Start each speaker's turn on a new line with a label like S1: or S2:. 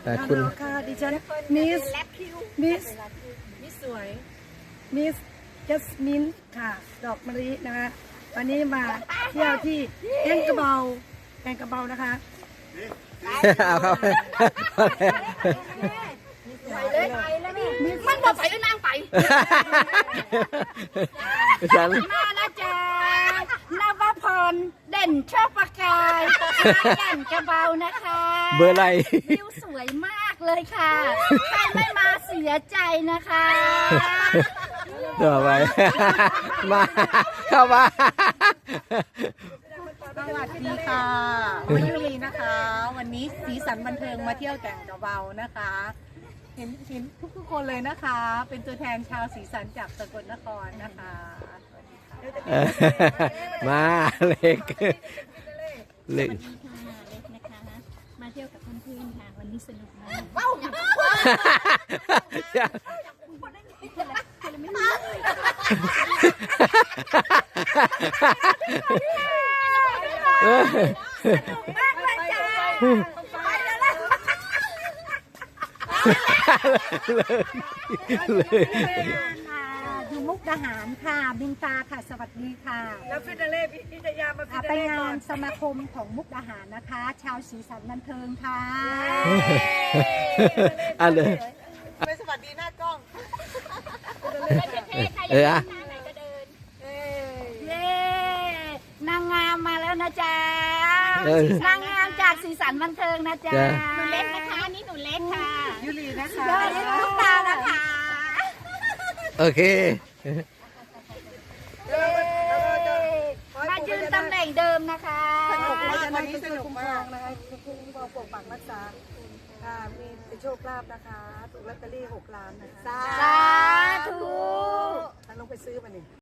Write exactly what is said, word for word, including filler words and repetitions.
S1: แต่คุณ
S2: ค่ะดิฉันมิสมิสมิสสวยมิสจัสมินค่ะดอกมะลินะคะวันนี้มาเที่ยวที่แกงกระเบาแกงกระเบานะคะ
S1: เอาเข้าไป
S3: มันบอกไปก็นั่งไป
S1: ฉัน
S3: มาแล้วจ้านวพรเด่นชอบประกายแก่นกระเบานะคะ
S1: เบอร์อะไร
S3: วิวสวยมากเลยค่ะใครไม่มาเสียใจนะคะ
S1: ต่อไป มาเข้ามา
S2: สวัสดีค่ะวันยุรีนะคะ วันนี้สีสันบันเทิงมาเที่ยวแก่งกระเบานะคะ เห็นเห็นทุกๆคนเลยนะคะ เป็นตัวแทนชาวสีสันจากสกลนครนะคะ
S1: มาเล็กเล็ก
S3: เล็กนะคะมาเที่ยวกับเพื่อนๆค่ะวันนี้สนุกมากอยู่มุกดาหารค่ะบินตาค่ะสวัสดีค่ะ
S2: แล้วฟิตเล่พิจยามาฟิต
S3: ไป
S2: เล่
S3: งา
S2: ก่อน
S3: นสมาคมของมุกดาหารนะคะ ชาวสีสันบันเทิงค่ะ
S1: อ่ะเลย
S2: ไปสวัสดีหน้ากล้อง
S1: เอออะ
S3: เย้นางงามมาแล้วนะจ๊ะ
S1: เออน
S3: างงามจากสีสันบันเทิงนะจ๊ะ
S1: จ้ะ
S3: หนูเล็กนะคะนี่หนูเล็กค่ะ
S2: ยุรีนะคะ
S3: เดี๋ยวนี้ลูกตานะคะ
S1: โอเค
S3: มายืนตำแหน่งเดิมนะคะ
S2: สนุกมากวันนี้สนุกมากนะคะคุ้มครองปกปักรักษาค่ะมีโชคลาภนะคะถูกลอตเตอรี่หกล้านนะคะ
S3: สา